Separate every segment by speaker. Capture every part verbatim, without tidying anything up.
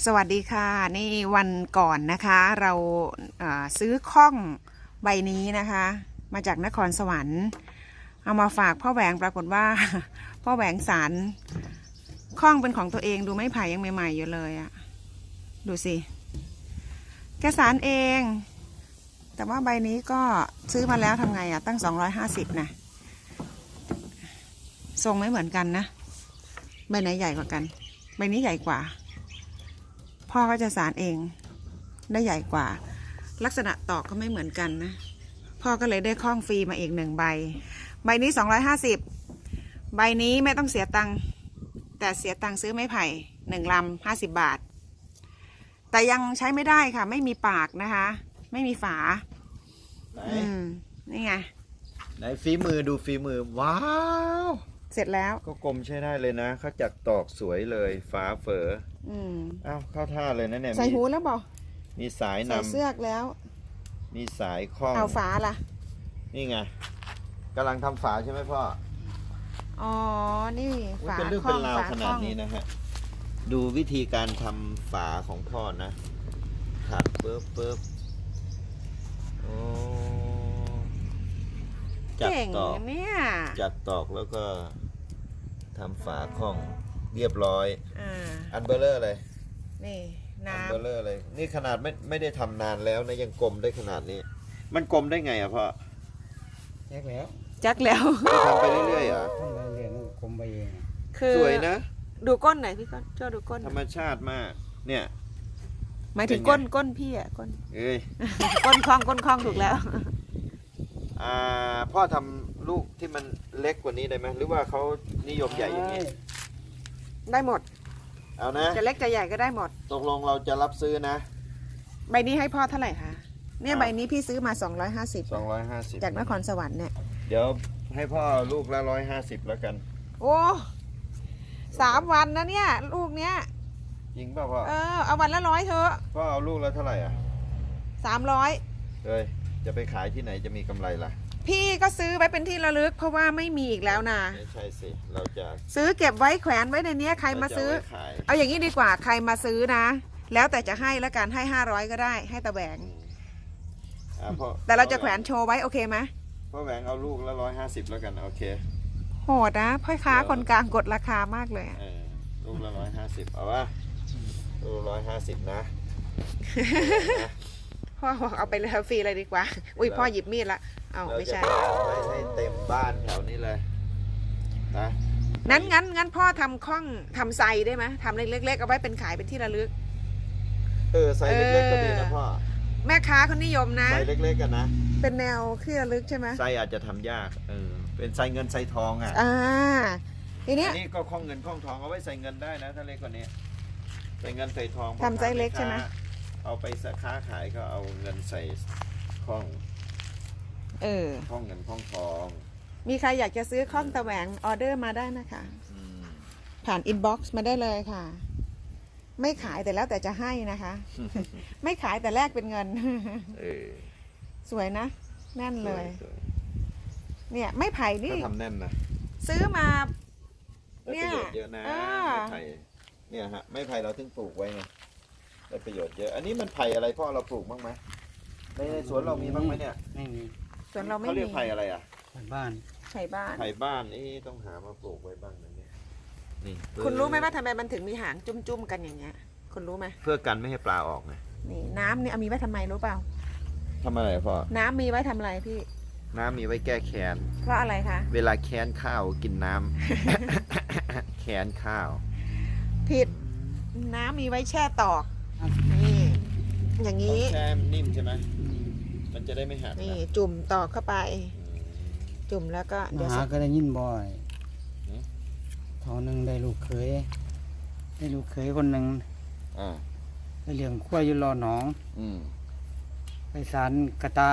Speaker 1: สวัสดีค่ะนี่วันก่อนนะคะเราซื้อข้องใบนี้นะคะมาจากนครสวรรค์เอามาฝากพ่อแหวงปรากฏว่าพ่อแหวงสารข้องเป็นของตัวเองดูไม้ไผ่ยังใหม่ๆอยู่เลยอะดูสิแกสารเองแต่ว่าใบนี้ก็ซื้อมาแล้วทำไงอะตั้งสองร้อยห้าสิบนะทรงไม่เหมือนกันนะใบไหนใหญ่กว่ากันใบนี้ใหญ่กว่าพ่อก็จะสารเองได้ใหญ่กว่าลักษณะตอกก็ไม่เหมือนกันนะพ่อก็เลยได้ข้องฟรีมาอีกหนึ่งใบใบนี้สองร้อยห้าสิบใบนี้ไม่ต้องเสียตังค์แต่เสียตังค์ซื้อไม้ไผ่หนึ่งลำห้าสิบบาทแต่ยังใช้ไม่ได้ค่ะไม่มีปากนะคะไม่มีฝาอืมนี่ไง
Speaker 2: ไหนฝีมือดูฝีมือว้าว
Speaker 1: เสร็จแล้ว
Speaker 2: ก็กลมใช้ได้เลยนะเขาจัดตอกสวยเลยฝาเฝอ
Speaker 1: อืม
Speaker 2: อ้าวเข้าท่าเลยนะเนี่ย
Speaker 1: ใส่หูแล้วบอก
Speaker 2: มีสายนำใส่
Speaker 1: เสื้อกแล้ว
Speaker 2: มีสายคล้อง
Speaker 1: เอาฝาล่ะ
Speaker 2: นี่ไงกำลังทำฝาใช่ไหมพ่อ
Speaker 1: อ๋อนี่
Speaker 2: ฝาเป็นเรื่องเป็นราวขนาดนี้นะฮะดูวิธีการทำฝาของพ่อนะถักเปิ๊บเปิ๊บโอ้จัดตอก
Speaker 1: เนี่ย
Speaker 2: จัดตอกแล้วก็ทำฝาคล้องเรียบร้อย
Speaker 1: อ่า
Speaker 2: อันเบลเลอร์เลย
Speaker 1: นี่น้ำ
Speaker 2: อันเบลเลอร์เลยนี่ขนาดไม่ไม่ได้ทำนานแล้วนะยังกลมได้ขนาดนี้มันกลมได้ไงอะพ่อ
Speaker 3: แจ็คแล้ว
Speaker 1: จักแล้ว
Speaker 2: ทำไปเรื่อยๆอ่ะ
Speaker 3: ทำไปเรื่อยๆกลมไปเอง
Speaker 1: คือ
Speaker 2: สวยนะ
Speaker 1: ดูก้นไหนพี่ก้นช่วยดูก้น
Speaker 2: ธรรมชาติมากเนี่ย
Speaker 1: หมายถึงก้นก้นพี่อ่ะก้น
Speaker 2: เอ้ย
Speaker 1: ก้นคล้องก้นคล้องถูกแล้ว
Speaker 2: อ่าพ่อทำลูกที่มันเล็กกว่านี้ได้ไหมหรือว่าเขานิยมใหญ่อย่างนี้
Speaker 1: ได้หมด
Speaker 2: เอานะ
Speaker 1: จะเล็กจะใหญ่ก็ได้หมด
Speaker 2: ตกลงเราจะรับซื้อนะ
Speaker 1: ใบนี้ให้พ่อเท่าไหร่คะเนี่ยใบนี้พี่ซื้อมาสองร้อยห้าสิบ
Speaker 2: สองร้อยห้าสิบ
Speaker 1: จากนครสวรรค์เนี่ย
Speaker 2: เดี๋ยวให้พ่อลูกละร้อยห้าสิบแล้วกัน
Speaker 1: โอ้สามวันนะเนี่ยลูกเนี้ย
Speaker 2: จริงป่ะพ่อ
Speaker 1: เออเอาวันละร้อยเถอะ
Speaker 2: พ่อเอาลูกละเท่าไหร่อ่ะ
Speaker 1: สามร้อย
Speaker 2: เฮ้ยจะไปขายที่ไหนจะมีกำไรล่ะ
Speaker 1: พี่ก็ซื้อไว้เป็นที่ระลึกเพราะว่าไม่มีอีกแล้วนะ
Speaker 2: ไม่ใช่สิเราจะ
Speaker 1: ซื้อเก็บไว้แขวนไว้ในนี้ใครมาซื้อเอาอย่างนี้ดีกว่าใครมาซื้อนะแล้วแต่จะให้แล้วกันให้ห้าร้อยก็ได้ให้ตะแหวงแต่เราจะแขวนโชว์ไว้โอเคไหม
Speaker 2: พ่อแหวงเอาลูกละร้อยห้าสิบแล้วกันโอเค
Speaker 1: โหดนะพ่อค้าคนกลางกดราคามากเลย
Speaker 2: ลูกละร้อยห้าสิบเอาวะลูกร้อยห้าสิบนะ
Speaker 1: พ่อบอกเอาไปเลยฟรีเลยดีกว่าอุ้ยพ่อหยิบมีดละเอาไม่ใช่
Speaker 2: ให้เต็มบ้านแถวนี้เลยนะ
Speaker 1: งั้นงั้นงั้นพ่อทำข้องทำไซได้ไหมทำเล็กๆเอาไว้เป็นขายเป็นที่ระลึก
Speaker 2: เออไซเล็กๆก็ดีนะพ่อ
Speaker 1: แม่ค้าเขานิยมนะ
Speaker 2: ไซเล็กๆกันนะ
Speaker 1: เป็นแนวที่ระลึกใช่ไหม
Speaker 2: ไซอาจจะทำยากเออเป็นไซเงินไซทองอ่ะ
Speaker 1: อ่าทีนี้
Speaker 2: นี่ก็ข้องเงินข้องทองเอาไว้ใส่เงินได้นะถ้าเล็กกว่านี้ใส่เงินใส่ทอง
Speaker 1: ทำไซเล็กใช่ไหม
Speaker 2: เอาไปค้าขายก็เอาเงินใส่ข้อง
Speaker 1: เออ
Speaker 2: ข้องเงินข้องทอง
Speaker 1: มีใครอยากจะซื้อข้องตะแหวงออเดอร์มาได้นะคะผ่านอินบ็อกซ์มาได้เลยค่ะไม่ขายแต่แล้วแต่จะให้นะคะไม่ขายแต่แลกเป็นเงินสวยนะแน่นเลยเนี่ยไม่ไผ่นี่
Speaker 2: ทำแน่นนะ
Speaker 1: ซื้อมา
Speaker 2: เนี่ยเยอะนะไม่ไผ่เนี่ยฮะไม่ไผ่เราถึงปลูกไว้ไงได้ประโยชน์เยอะอันนี้มันไผ่อะไรพ่อเราปลูกบ้างไหมในสวนเรามีบ้างไหมเนี่ย
Speaker 3: ไม่มี
Speaker 1: สวนเราไม่มี
Speaker 2: เขาเรียกไผ่อะไรอ่ะ
Speaker 3: ไผ่บ้าน
Speaker 1: ไผ่บ้าน
Speaker 2: ไผ่บ้านนี่ต้องหามาปลูกไว้บ้างนะเนี่ย
Speaker 1: นี่คุณรู้ไหมว่าทำไมมันถึงมีหางจุ้มๆกันอย่างเงี้ยคุณรู้ไหม
Speaker 2: เพื่อกันไม่ให้ปลาออกไง
Speaker 1: นี่น้ำนี่เอามีไว้ทำไมรู้เปล่า
Speaker 2: ทำอะไรพ่อ
Speaker 1: น้ำมีไว้ทำอะไรพี่
Speaker 2: น้ำมีไว้แก้แค้น
Speaker 1: เพราะอะไรคะ
Speaker 2: เวลาแค้นข้าวกินน้ำ แค้นข้าว
Speaker 1: ผิดน้ำมีไว้แช่ตอกนี่อย่างนี้
Speaker 2: แช่นิ่มใช่ไหมมันจะได้ไม่หัก
Speaker 1: นี่จุ่มตอกเข้าไปจุ่มแล้วก็
Speaker 3: เดี๋ยวหาก็ได้ยินบ่อยทอหนึ่งได้ลูกเขยได้ลูกเขยคนหนึ่งไปเลี้ยงขั้วอยู่รอหนองไปสารกระตา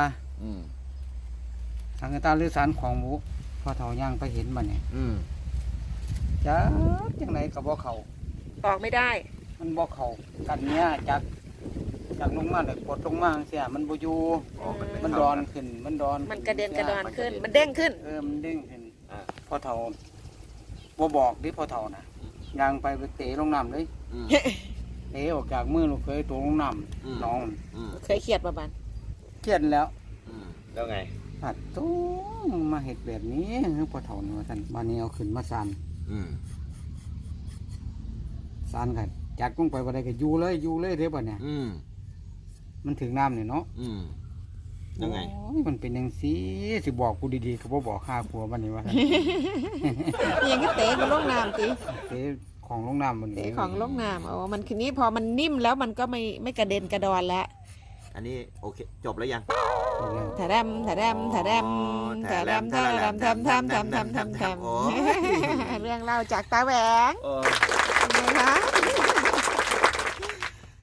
Speaker 3: สารกระตาหรือสารของหมูพอเถาย่างไปเห็นมันเนี่ยจ้าจังไหนกับบ่เขา
Speaker 1: ออกไม่ได้
Speaker 3: มันบ่เขากันเนี้ยจากจากลงมาเลยกดลงมาเสียมันบ่อยู่มันดอนขึ้นมันดอน
Speaker 1: มันกระเด็นกระดอนขึ้นมันเด้งขึ้น
Speaker 3: เออมันเด้งขึ้นพอเถาบ่บอกดิพอเถานะย่างไปไปเตะลงน้ำเลยเตะออกจากมือลูกเคยตัวลงน้
Speaker 2: อืม
Speaker 3: ำน้อง
Speaker 2: อืม
Speaker 1: เคยเครียดประบัน
Speaker 3: เครียดแล้ว
Speaker 2: อืมแล้วไง
Speaker 3: ผัดตู้มาเห็ดแบบนี้คือปะเถานี่ว่าท่านบ้านนี้เอาขึ้นมาซาน
Speaker 2: อืม
Speaker 3: ซานกันจัดกุ้งไปวันใดก็อยู่เลยอยู่เลยเท่าเนี่ย
Speaker 2: อืม
Speaker 3: มันถึงน้ำเนี่ยเนาะ
Speaker 2: อืมยังไง
Speaker 3: โอ้ยมันเป็นยังสีสิบอกกูดีๆก็บ่บอกข้าครัวบ้านนี้ว่า
Speaker 1: ยังก็เตะกับลงน้ำสิ
Speaker 3: เตะของลงน้ำมัน
Speaker 1: เตะของลงน้ำโอ้มันคืนนี้พอมันนิ่มแล้วมันก็ไม่ไม่กระเด็นกระดอนแล้ว
Speaker 2: อันนี้โอเคจบแล้วยัง
Speaker 1: ถาดำถาดำถาดำถาดำถาดำทำทำทำทำทำทำ
Speaker 2: โอ้
Speaker 1: เรื่องเล่าจากตาแหวง
Speaker 2: เออ
Speaker 1: ไงคะ